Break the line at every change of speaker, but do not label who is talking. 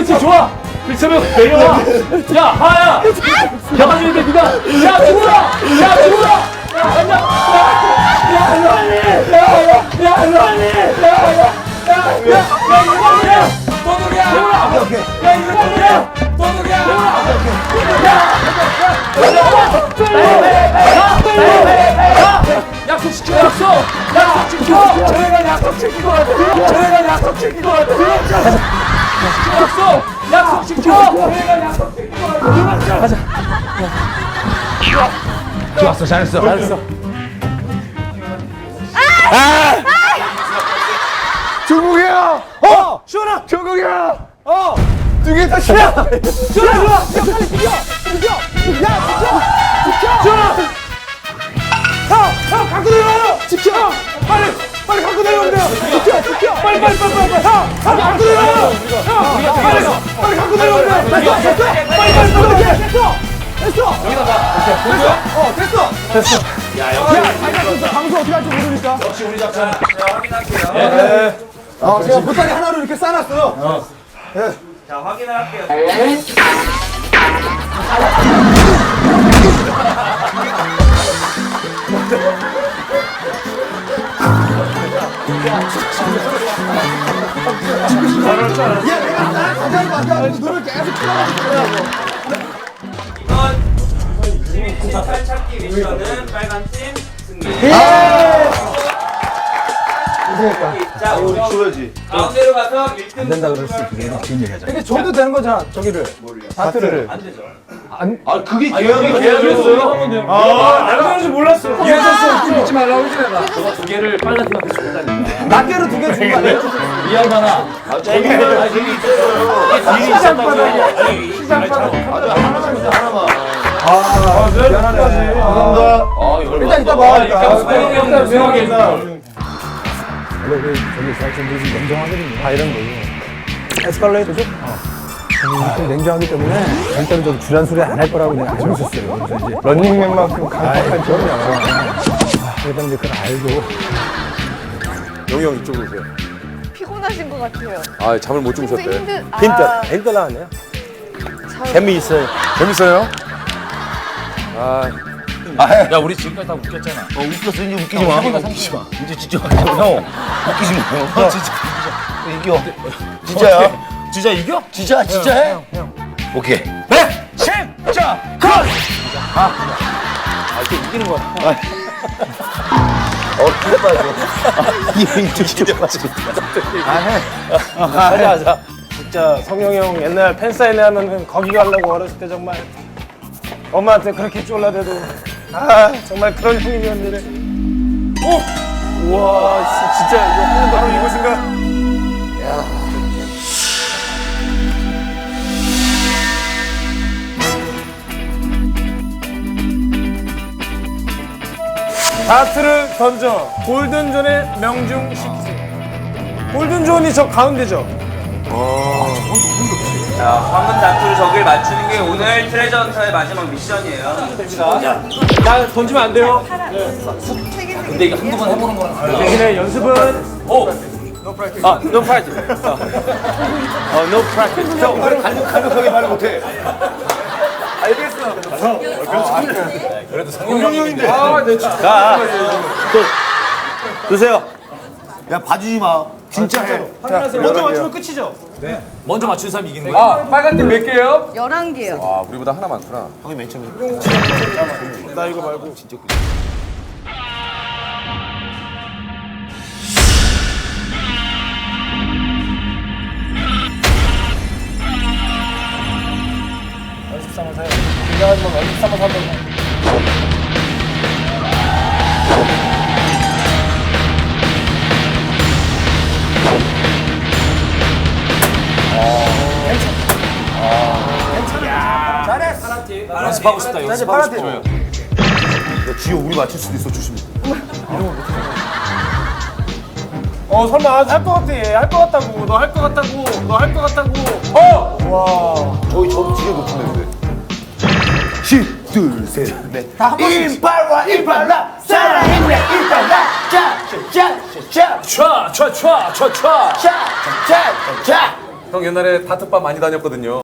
그렇지 좋아. 그렇다면 내려와. 야 하야. 잡아주는데 네가 야 죽어라. 야 죽어라. 야 가자. 야 일로와니. 야 일로와니. 야 일로와니. 도둑이야. 오케이. 야 일로와니. 도둑이야. 야 약속 지켜. 약속 지켜. 저희가 약속 지키고 가야 돼. 저희가 약속 지키고 가야 돼. 약속 지켜. 저희가 약속 지키고 가야 돼. 가자.
좋았어, 잘했어.
종국이야! 시원아! 종국이야! 두 개 다 치워!
시원아 일로와. 빨리 비켜.
시원아! 형! 갖고 내려와요! 지켜! 빨리 갖고 내려오면 돼요! 지켜! 빨리! 형! 갖고 내려와요! 형! 빨리 갖고 내려오면 돼요! 됐어! 빨리! 됐어! 여기다 봐. 됐어! 야, 방송 어떻게 할지 모르니까.
역시 우리 작전.
자, 확인할게요.
제가 보따리 하나로 이렇게 싸놨어요.
자, 확인을 할게요.
눈을 계속 쳐다보고
이건 진입할 찾기 미션은 빨간 팀 승리. 자, 우리
줘야지.
가운데로 가서 1등 안
된다 그랬을 때 개인 얘기하자.
근데 줘도 되는 거잖아, 저기를. 다트를.
안 되죠.
아, 그게 계약이
계약했어요.
나도 그런지 몰랐어.
이랬었어. 믿지 말라고 했지 내가. 저거 두 개를 빨간 팀한테 줬다니까.
낱개로 두 개 준 거 아니야?
이 양반아.
저기는
되게 있어요. 시장바닥. 시장바닥.
하나만.
미안하네.
감사합니다.
일단 이따 봐.
일단 조용하게.
원래 저기 사람들이 냉정하거든요. 다 이런 거죠. 에스컬레이터죠? 좀 냉정하기 때문에 절대로 좀 주란 소리 안 할 거라고 내가 알고 있었어요. 그래서 이제 런닝맨만큼 강력한 기억이야. 그러다 이제 그걸 알고.
영희 형 이쪽으로 오세요.
피곤하신 것 같아요.
아, 잠을 못 주무셨대.
힌트 나왔네요.
재미있어요. 재밌어요? 아,
야 우리 지금까지 다 웃겼잖아.
웃겼어, 이제 웃기지 마. 웃기지 마. 이제 진짜 형. 웃기지 마. 진짜. 이겨. 진짜야?
진짜 이겨?
진짜 해? 오케이.
네! 진짜! 컷!
이렇게 이기는 거야. 그래, 이게 진짜 빠져.
하자. 진짜 성영이 형 옛날 팬사인회 하면은 거기 가려고 어렸을 때 정말 엄마한테 그렇게 쫄라대도 정말 그런 형님이었는데. 우와 진짜 이거 바로 이곳인가? 다트를 던져 골든존에 명중시키세요. 골든존이 저 가운데죠?
자, 황금 다투를 저길 맞추는 게 오늘 트레저 헌터의 마지막 미션이에요.
나 던지면 안 돼요.
근데 이거 한두 번 해보는 거랑
대신에 연습은
오!
no practice. no practice.
형, 가격하게 말 못해.
드세요.
야, 봐주지 마. 진짜 해.
먼저 맞추면 끝이죠?
먼저 맞추는 사람이 이기는 거야.
빨간 팀 몇 개예요?
11개요.
아, 우리보다 하나 많구나.
형이 맨 처음에.
나 이거 말고 진짜 연습 삼아서 해요. 긴장하지만 연습 삼아서 한번
연습하고 싶다. 연습하고 싶다.
야, 지효 우리 맞출 수도 있어, 조심해.
설마 할 것 같아. 할 것 같다고. 너 할 것 같다고. 너 할 것 같다고. 와.
저기 지효 높은데, 근데. 10, 2, 셋, 넷. 임팔라, 임팔라, 살아있네, 임팔라. 짜, 짜, 짜, 짜,
촤! 촤! 촤! 촤! 촤!
짜, 짜, 짜, 짜.
형 옛날에 다트바 많이 다녔거든요.